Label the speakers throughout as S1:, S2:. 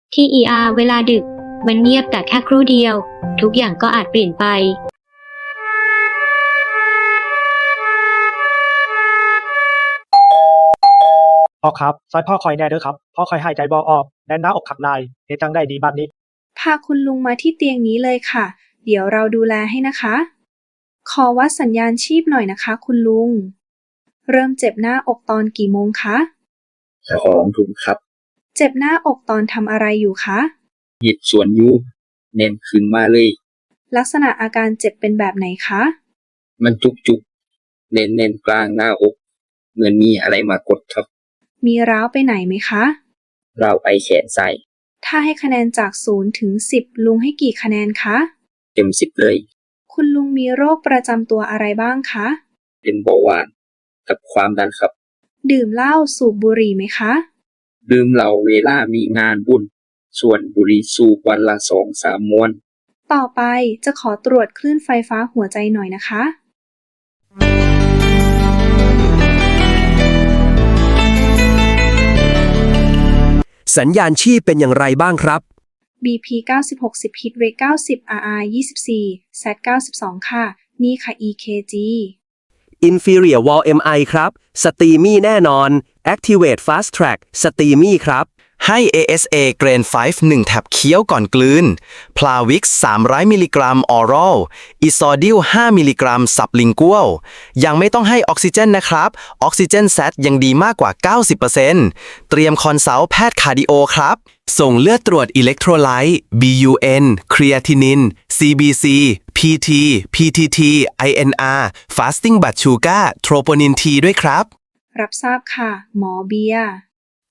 S1: ที่ เวลาดึกมันเงียบแต่แค่ครู่เดียวทุกอย่างก็อาจเปลี่ยนไป
S2: พ่อครับซอยพ่อคอยแน่เด้อครับพ่อคอยหายใจบ่ออกแน่นหน้าอกขักนายเฮ็ดจังได้ดีบัดนี้
S3: พาคุณลุงมาที่เตียงนี้เลยค่ะเดี๋ยวเราดูแลให้นะคะขอวัดสัญญาณชีพหน่อยนะคะคุณลุงเริ่มเจ็บหน้าอกตอนกี่โมงคะ
S4: 2 ทุ่มครับ
S3: เจ็บหน้าอกตอนทำอะไรอยู่คะ
S4: หยิบส่วนยูเน้นขึ้นมาเลย
S3: ลักษณะอาการเจ็บเป็นแบบไหนคะ
S4: มันจุกเน้นกลางหน้าอกเหมือนมีอะไรมากดครับ
S3: มีร้าวไปไหนไหมคะ
S4: เราไปแขนซ้าย
S3: ถ้าให้คะแนนจาก0 ถึง 10ลุงให้กี่คะแนนคะ
S4: เต็ม 10เลย
S3: คุณลุงมีโรคประจำตัวอะไรบ้างคะ
S4: เป็นเบาหวานกับความดันครับ
S3: ดื่มเหล้าสูบบุหรี่ไหมคะ
S4: ดื่มเหล้าเวลามีงานบุญส่วนบุหรี่สูบวันละ 2-3 มวน
S3: ต่อไปจะขอตรวจคลื่นไฟฟ้าหัวใจหน่อยนะคะ
S5: สัญญาณชีพเป็นอย่างไรบ้างครับ
S3: BP 90-60 Hit Rate 90 RR 24 SAT 92ค่ะนี่ค่ะ EKG
S5: Inferior Wall MI ครับสตรีมี่แน่นอน Activate Fast Track สตรีมี่ครับ
S6: ให้ ASA Grain 5 1 แท็บเคี้ยวก่อนกลืน Plavix 300 มิลลิกรัม Oral Isodil 5 มิลลิกรัม Sublingual ยังไม่ต้องให้ออกซิเจนนะครับออกซิเจนแซตยังดีมากกว่า 90% เตรียมคอนซัลท์แพทย์คาร์ดิโอครับส่งเลือดตรวจอิเล็กโทรไลต์ BUN ครีอาทินิน CBC PT PTT INR Fasting Blood Sugar Troponin T ด้วยครับ
S3: รับทราบค่ะหมอเบียร์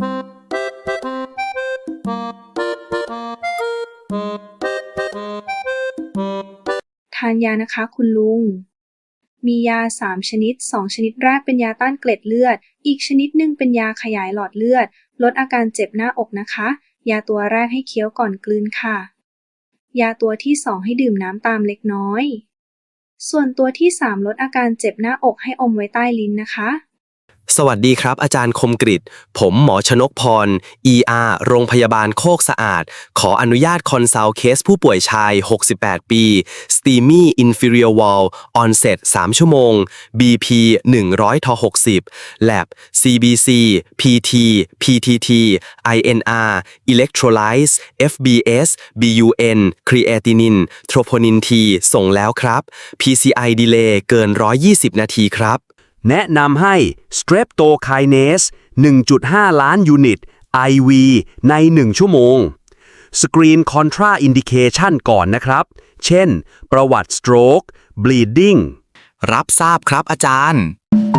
S3: ทานยานะคะคุณลุงมียา3 ชนิด2 ชนิดแรกเป็นยาต้านเกล็ดเลือดอีกชนิดหนึ่งเป็นยาขยายหลอดเลือดลดอาการเจ็บหน้าอกนะคะยาตัวแรกให้เคี้ยวก่อนกลืนค่ะยาตัวที่2ให้ดื่มน้ำตามเล็กน้อยส่วนตัวที่3ลดอาการเจ็บหน้าอกให้อมไว้ใต้ลิ้นนะคะ
S5: สวัสดีครับอาจารย์คมกฤษผมหมอชนกพร โรงพยาบาลโคกสะอาดขออนุญาตคอนซัลท์เคสผู้ป่วยชาย68 ปี STEMI Inferior Wall Onset 3 ชั่วโมง BP 100/60 Lab CBC PT PTT INR Electrolytes FBS BUN Creatinine Troponin T ส่งแล้วครับ PCI Delay เกิน120 นาทีครับแนะนำให้ Streptokinase 1.5 ล้านยูนิต IV ใน 1 ชั่วโมง สกรีน Contraindication ก่อนนะครับ เช่น ประวัติ Stroke Bleeding
S6: รับทราบครับอาจารย์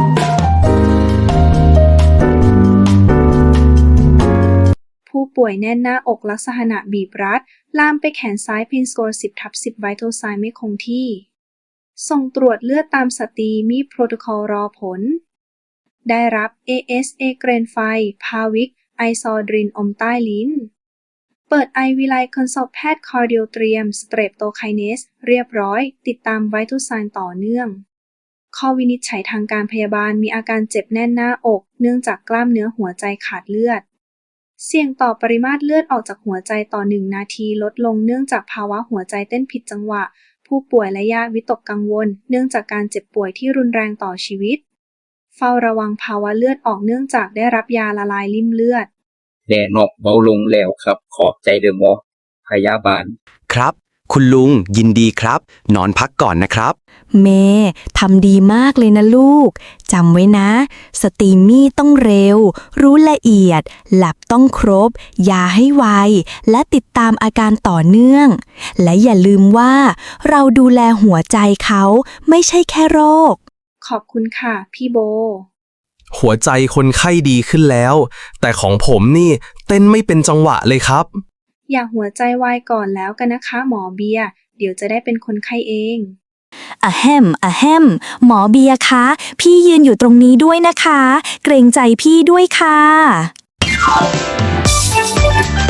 S3: ผู้ป่วยแน่นหน้าอกลักษณะบีบรัดลามไปแขนซ้ายเพนสกอร์ 10/10 Vital Sign ไม่คงที่ส่งตรวจเลือดตามสตรีมีโปรโตคอลรอผลได้รับ ASA เกรนไฟพาวิกไอซอดรินอมใต้ลิ้นเปิดไอวิไลคอนซัลท์แพทย์คาร์ดิโอเตรียมสเตรปโตไคเนสเรียบร้อยติดตามไวทัลไซน์ต่อเนื่องข้อวินิจฉัยทางการพยาบาลมีอาการเจ็บแน่นหน้าอกเนื่องจากกล้ามเนื้อหัวใจขาดเลือดเสี่ยงต่อปริมาตรเลือดออกจากหัวใจต่อ1 นาทีลดลงเนื่องจากภาวะหัวใจเต้นผิดจังหวะผู้ป่วยและญาติวิตกกังวลเนื่องจากการเจ็บป่วยที่รุนแรงต่อชีวิตเฝ้าระวังภาวะเลือดออกเนื่องจากได้รับยาละลายริ่มเลือด
S4: แน่นอกเบาลงแล้วครับขอบใจเด้อหมอพยาบาล
S5: ครับคุณลุงยินดีครับนอนพักก่อนนะครับ
S7: เมย์ทำดีมากเลยนะลูกจำไว้นะสตรีมี่ต้องเร็วรู้ละเอียดหลับต้องครบยาให้ไวและติดตามอาการต่อเนื่องและอย่าลืมว่าเราดูแลหัวใจเขาไม่ใช่แค่โรค
S3: ขอบคุณค่ะพี่โบ
S5: หัวใจคนไข้ดีขึ้นแล้วแต่ของผมนี่เต้นไม่เป็นจังหวะเลยครับ
S3: อย่าหัวใจวายก่อนแล้วกันนะคะหมอเบียร์เดี๋ยวจะได้เป็นคนไข้เอง
S7: อะแฮมหมอเบียร์คะพี่ยืนอยู่ตรงนี้ด้วยนะคะเกรงใจพี่ด้วยค่ะ